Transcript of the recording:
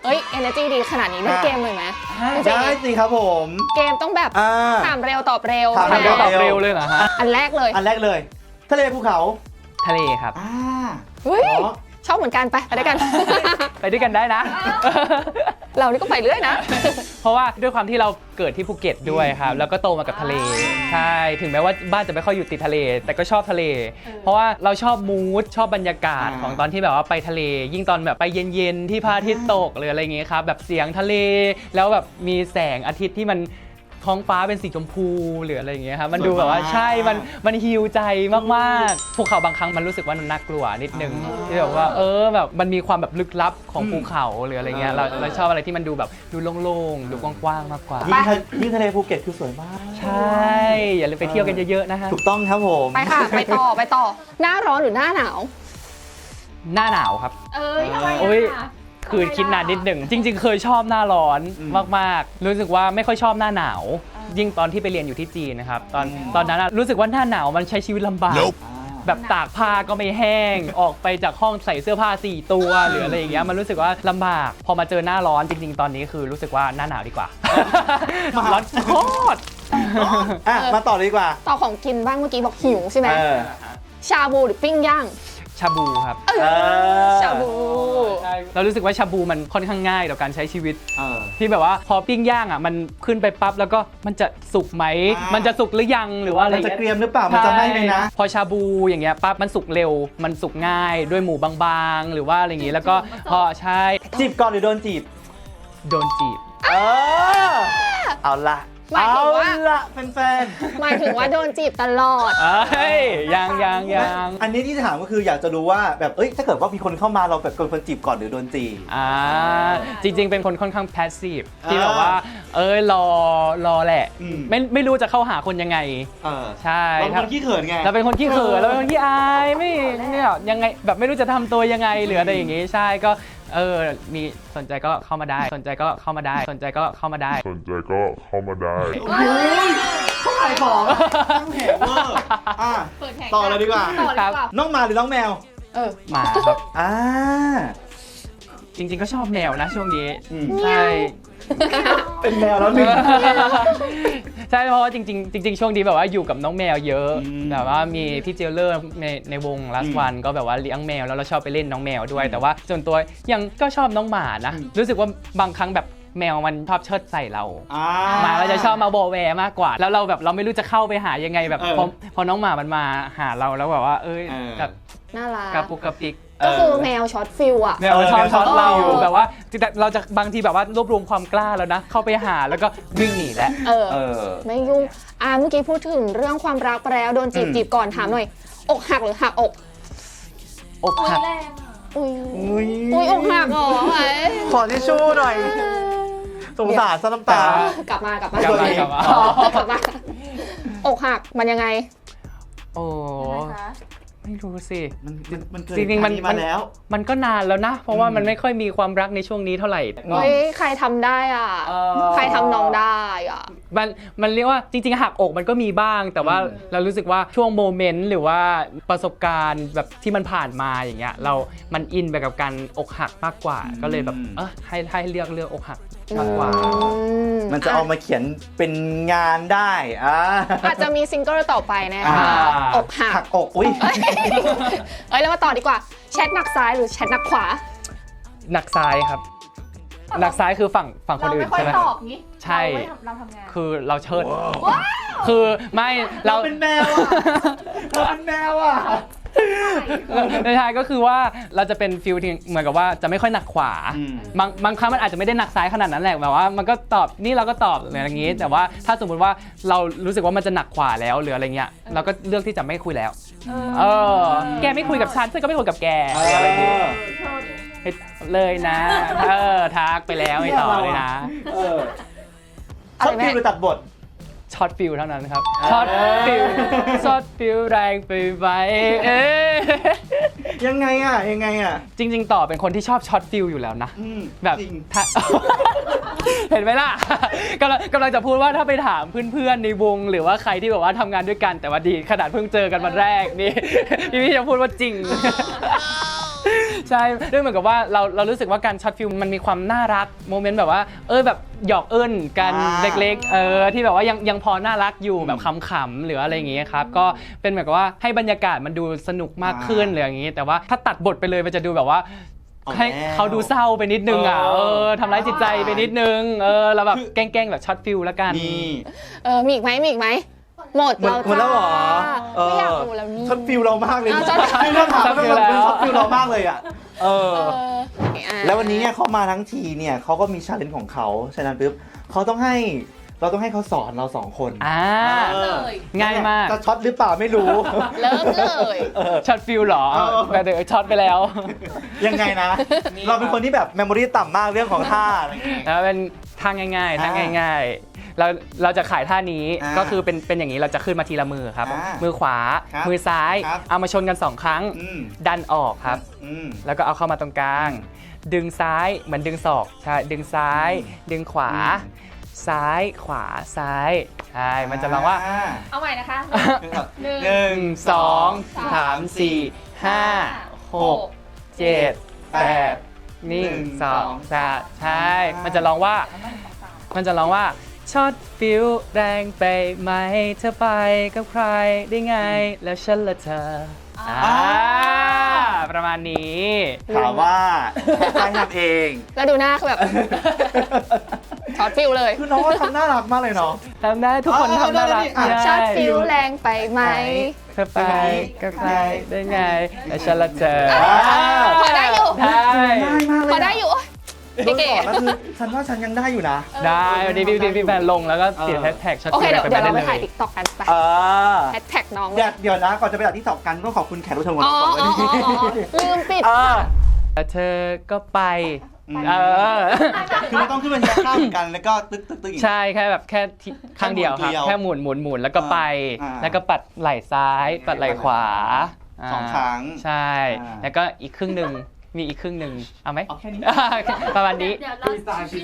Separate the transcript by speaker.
Speaker 1: เอ้ย energy ดีขนาดนี้เล่นเกมเลยไหม
Speaker 2: ได้สิครับผม
Speaker 1: เกมต้องแบบถามเร็วตอบเร็ว
Speaker 2: ถามเร็วตอบเร็วเลยเหรอฮะ
Speaker 1: อันแรกเลย
Speaker 2: ทะเลภูเขา
Speaker 3: ทะเลครับ
Speaker 1: เฮ้ยชอบเหมือนกันไปด้วยกัน
Speaker 3: ไปด้วยกันได้นะ
Speaker 1: เรานี่ก็ไปเรื่อยนะ
Speaker 3: เพราะว่าด้วยความที่เราเกิดที่ภูเก็ตด้วยครับแล้วก็โตมากับทะเลใช่ถึงแม้ว่าบ้านจะไม่ค่อยอยู่ติดทะเลแต่ก็ชอบทะเลเพราะว่าเราชอบมูดชอบบรรยากาศของตอนที่แบบว่าไปทะเลยิ่งตอนแบบไปเย็นๆที่พระอาทิตย์ตกหรืออะไรอย่างเงี้ยครับแบบเสียงทะเลแล้วแบบมีแสงอาทิตย์ที่มันท้องฟ้าเป็นสีชมพูหรืออะไรอย่างเงี้ยครับมันดูแบบว่าใช่มันฮีลใจมากๆภูเขาบางครั้งมันรู้สึกว่ามันน่ากลัวนิดนึงที่แบบว่าแบบมันมีความแบบลึกลับของภูเขาหรืออะไรเงี้ยเราชอบอะไรที่มันดูแบบดูโล่งๆดูกว้างๆมากกว่า
Speaker 2: ยิ่งทะเลภูเก็ตคือสวยมาก
Speaker 3: ใช่อย่าลืมไปเที่ยวกันเยอะๆนะฮะ
Speaker 2: ถูกต้องครับผม
Speaker 1: ไปค่ะไปต่อหน้าร้อนหรือหน้าหนาว
Speaker 3: หน้าหนาวครับ
Speaker 1: ทำไม
Speaker 3: คือคิดนานนิดหนึ่งจริงๆเคยชอบหน้าร้อนมากๆรู้สึกว่าไม่ค่อยชอบหน้าหนาวยิ่งตอนที่ไปเรียนอยู่ที่จีนนะครับตอนนั้นรู้สึกว่าหน้าหนาวมันใช้ชีวิตลำบากแบบตากผ้าก็ไม่แห้งออกไปจากห้องใส่เสื้อผ้า4ตัวหรืออะไรอย่างเงี้ยมันรู้สึกว่าลำบากพอมาเจอหน้าร้อนจริงๆตอนนี้คือรู้สึกว่าหน้าหนาวดีกว่าร้อนโคตร
Speaker 2: มาต่อดีกว่า
Speaker 1: ต่อของกินบ้างเมื่อกี้บอกหิวใช่ไหมชาบูหรือปิ้งย่าง
Speaker 3: ชาบูครับ
Speaker 1: ชาบู
Speaker 3: เรารู้สึกว่าชาบูมันค่อนข้างง่ายต่อการใช้ชีวิตที่แบบว่าพอปิ้งย่างอ่ะมันขึ้นไปปั๊บแล้วก็มันจะสุกไหมมันจะสุกหรือยังหรือว่าอะไร
Speaker 2: จะเกรียมหรือเปล่ามันจะไม่ไหมนะ
Speaker 3: พอชาบูอย่างเงี้ยปั๊บมันสุกเร็วมันสุกง่ายด้วยหมูบางๆหรือว่าอะไรอย่างงี้แล้วก็พอใช่
Speaker 2: จีบก่อนหรือโดนจีบ
Speaker 3: โดนจีบ
Speaker 2: เอาละ
Speaker 1: หมายถึงว่า
Speaker 2: แฟน
Speaker 1: หมายถึงว่าโดนจีบตลอด
Speaker 3: ยัง
Speaker 2: อันนี้ที่ถามก็คืออยากจะรู้ว่าแบบถ้าเกิดว่ามีคนเข้ามาเราแบบคนจีบก่อนหรือโดนจีบ
Speaker 3: จริงๆเป็นคนค่อนข้างแพสซีฟที่แบบว่ารอแหละไม่รู้จะเข้าหาคนยังไงใช่
Speaker 2: เราเป็นคนขี้เขินไง
Speaker 3: เราเป็นคนขี้เขินเราเป็นคนขี้อายไม่เนี่ยยังไงแบบไม่รู้จะทำตัวยังไงหรืออะไรอย่างงี้ใช่ก็มีสนใจก็เข้ามาได้สนใจก็เข้ามาได้สนใจก็เข้ามาได้
Speaker 2: เขาขายของตั้งแผงเวอร์ต่อเลยดีกว่าน้องหมาหรือน้องแมว
Speaker 3: หมาครับจริงๆก็ชอบแมวนะช่วงนี้ใช่
Speaker 2: เป็นแมวแล้วหนึ่ง
Speaker 3: ใช่เพราะว่าจริงช่วงนี้แบบว่าอยู่กับน้องแมวเยอะแบบว่ามีพี่เจลเลอร์ในวงลัสวันก็แบบว่าเลี้ยงแมวแล้วเราชอบไปเล่นน้องแมวด้วยแต่ว่าส่วนตัวยังก็ชอบน้องหมานะรู้สึกว่าบางครั้งแบบแมวมันชอบเชิดใส่เราหมาเราจะชอบมาโบแวมากกว่าแล้วเราไม่รู้จะเข้าไปหายังไงแบบพอน้องหมามันมาหาเราแล้วแบบว่าแบบ
Speaker 1: น่ารัก
Speaker 3: กระปุกกระปิก
Speaker 1: ก็คือแมวช็อตฟิลอะ
Speaker 3: แมวช็อตเราแบบว่าเราจะบางทีแบบว่ารวบรวมความกล้าแล้วนะเข้าไปหาแล้วก็วิ่งหนีแล้ว
Speaker 1: ไม่ยุ่งเมื่อกี้พูดถึงเรื่องความรักไปแล้วโดนจีบก่อนถามหน่อยอกหักหรือหัก
Speaker 3: อกหัก
Speaker 1: อุ้ยอกหักเหรอ
Speaker 2: ขอทิชชู่หน่อยสงสารซะน้ำตาก
Speaker 1: ลับมาอกหักมันยังไง
Speaker 3: ไม่รู้สิ
Speaker 2: จริงๆมันแล้ว
Speaker 3: มันก็นานแล้วนะเพราะว่ามันไม่ค่อยมีความรักในช่วงนี้เท่าไหร่
Speaker 1: ใครทำได้ใครทำน้องได้
Speaker 3: มันเรียกว่าจริงๆหักอกมันก็มีบ้างแต่ว่าเรารู้สึกว่าช่วงโมเมนต์หรือว่าประสบการณ์แบบที่มันผ่านมาอย่างเงี้ยมันอินไปกับการอกหักมากกว่าก็เลยแบบให้เลือกอกหักมากกว่า
Speaker 2: มันจะเอามาเขียนเป็นงานได้
Speaker 1: อาจจะมีซิงเกิลต่อไปนะคะอกหัก
Speaker 2: อกอุ้ย
Speaker 1: แล้วมาต่อดีกว่าแชทหนักซ้ายหรือแชทหนักขวา
Speaker 3: หนักซ้ายครับหนักซ้ายคือฝั่งคนอื่นใช่ไหมใช่คือเราเชิดคือไม่เรา
Speaker 2: เป็นแมว
Speaker 3: ในทายก็คือว่าเราจะเป็นฟิลที่เหมือนกับว่าจะไม่ค่อยหนักขวาบางครั้งมันอาจจะไม่ได้หนักซ้ายขนาดนั้นแหละแบบว่ามันก็ตอบนี่เราก็ตอบอะไรอย่างงี้แต่ว่าถ้าสมมติว่าเรารู้สึกว่ามันจะหนักขวาแล้วหรืออะไรเงี้ยเราก็เลือกที่จะไม่คุยแล้วแกไม่คุยกับฉันก็ไม่คุยกับแกอะไรอย่างงี้เลยนะทักไปแล้วไม่ต่อเลยนะ
Speaker 2: ชอบฟิลหรือตัดบท
Speaker 3: ช็อตฟิลเท่านั้นครับช็อตฟิลแรงไปไหม
Speaker 2: ยังไง
Speaker 3: จริงๆต่อเป็นคนที่ชอบช็อตฟิลอยู่แล้วนะแบบเห็นไหมล่ะกำลังจะพูดว่าถ้าไปถามเพื่อนๆในวงหรือว่าใครที่แบบว่าทำงานด้วยกันแต่ว่าดีขนาดเพิ่งเจอกันวันแรกนี่พี่จะพูดว่าจริงใช่ด้วยเหมือนกับว่าเรารู้สึกว่าการช็อตฟิลมันมีความน่ารักโมเมนต์แบบว่าแบบหยอกเอิ้นกันเล็กๆที่แบบว่ายังพอน่ารักอยู่แบบขำๆหรืออะไรอย่างเงี้ยครับก็เป็นเหมือนกับว่าให้บรรยากาศมันดูสนุกมากขึ้นหรืออย่างงี้แต่ว่าถ้าตัดบทไปเลยมันจะดูแบบว่าให้เขาดูเศร้าไปนิดนึงทำร้ายจิตใจไปนิดนึงเราแบบแกล้งๆแบบช็อตฟิลแล้วกัน
Speaker 2: นี่
Speaker 1: มีอีกไหมหมด
Speaker 2: หมดแล้วเหรอ
Speaker 1: ไม่อยากดูแล้วนี่
Speaker 2: ช็อตฟิลเรามากเลย
Speaker 1: ช็อต
Speaker 2: ไม่ต้องถาม
Speaker 3: ช็อตฟิล
Speaker 2: เรา
Speaker 3: แล้ว
Speaker 2: ช็อตฟิลเรามากเลยอ่ะ
Speaker 1: อ่ะ
Speaker 2: แล้ววันนี้เนี่ยเขามาทั้งทีเนี่ยเขาก็มีชาเลนจ์ของเขาฉะนั้นปุ๊บเราต้องให้เขาสอนเรา2 คน
Speaker 3: ง่ายมาก
Speaker 2: จะช็อตหรือเปล่าไม่รู้
Speaker 1: เลิกเลย
Speaker 3: ช็อตฟิลหรอแต่เดี๋ยวช็อตไปแล้ว
Speaker 2: ยังไงนะ เราเป็นคนที่แบบเมมโมรีต่ำมากเรื่องของท่าอะไรอย่างเงี้ย
Speaker 3: แล้วเป็นท่าง่ายๆท่าง่ายๆเราจะขายท่านี้ก็คือเป็นอย่างนี้เราจะขึ้นมาทีละมือครับมือขวามือซ้ายเอามาชนกัน2 ครั้งดันออกครับแล้วก็เอาเข้ามาตรงกลาง ดึงซ้ายเหมือนดึงศอกใช่ดึงซ้าย ดึงขวา ซ้ายขวาซ้ายใช่มันจะร้องว่า
Speaker 4: เอาใหม่นะคะ
Speaker 3: 1 2 3 4 5 6 7 8 1 2 3ใช่มันจะร้องว่าช็อตฟิลแรงไปไหมเธอไปกับใครได้ไงแล้วฉันละเธอประมาณนี้
Speaker 2: ถามว่าใครทำเอง
Speaker 1: แล้วดูหน้าคือแบบช็อตฟิลเลย
Speaker 2: คือน้องก็ทำน่ารักมากเลยเนาะ
Speaker 3: ทำได้ทุกคนทำน่ารัก
Speaker 1: ช็อตฟิลแรงไปไหม
Speaker 3: เธอไปกับใครได้ไงแล้วฉันละเธอ
Speaker 1: พอได้อยู่
Speaker 3: ได้
Speaker 2: ง่ายมากเลย
Speaker 1: พอได้อยู่
Speaker 2: โดนสอนแล้วคือฉันว่าฉันยังได้อยู่นะ
Speaker 3: ได้วันนี้พี่แฟนลงแล้วก็ติดแฮชแท็กช็อต
Speaker 1: โอเค
Speaker 3: ฟิล
Speaker 1: เดี๋ยว
Speaker 3: ไป
Speaker 1: เรา
Speaker 3: ได้
Speaker 1: ไป
Speaker 3: เล
Speaker 1: ถ่าย
Speaker 3: ย
Speaker 1: ติ๊กต็อกกันไป
Speaker 2: เออ
Speaker 1: แฮชแท็กน้อง
Speaker 2: เดี๋ยวนะก่อนจะไปจากที่สอบกันต้องขอบคุณแขกรับเชิญของ
Speaker 1: อ๋อ
Speaker 2: เราก่อน
Speaker 1: ลืมปิด
Speaker 3: แล้วเธอก็ไป
Speaker 2: คือไม่ต้องขึ้นมาทีละข้างเหมือนกันแล้วก็ตึ๊กอีก
Speaker 3: ใช่แค่แบบแค่ข้างเดียวครับ แค่หมุนแล้วก็ไป แล้วก็ปัดไหล่ซ้าย ปัดไหล่ขวา
Speaker 2: 2 ครั้ง
Speaker 3: ใช่ แล้วก็อีกครึ่งหนึ่งมีอีกครึ่งหนึ่งเอาไหม
Speaker 2: เอาแค่นี้
Speaker 3: ประมาณนี้
Speaker 4: เดี๋ยวเรา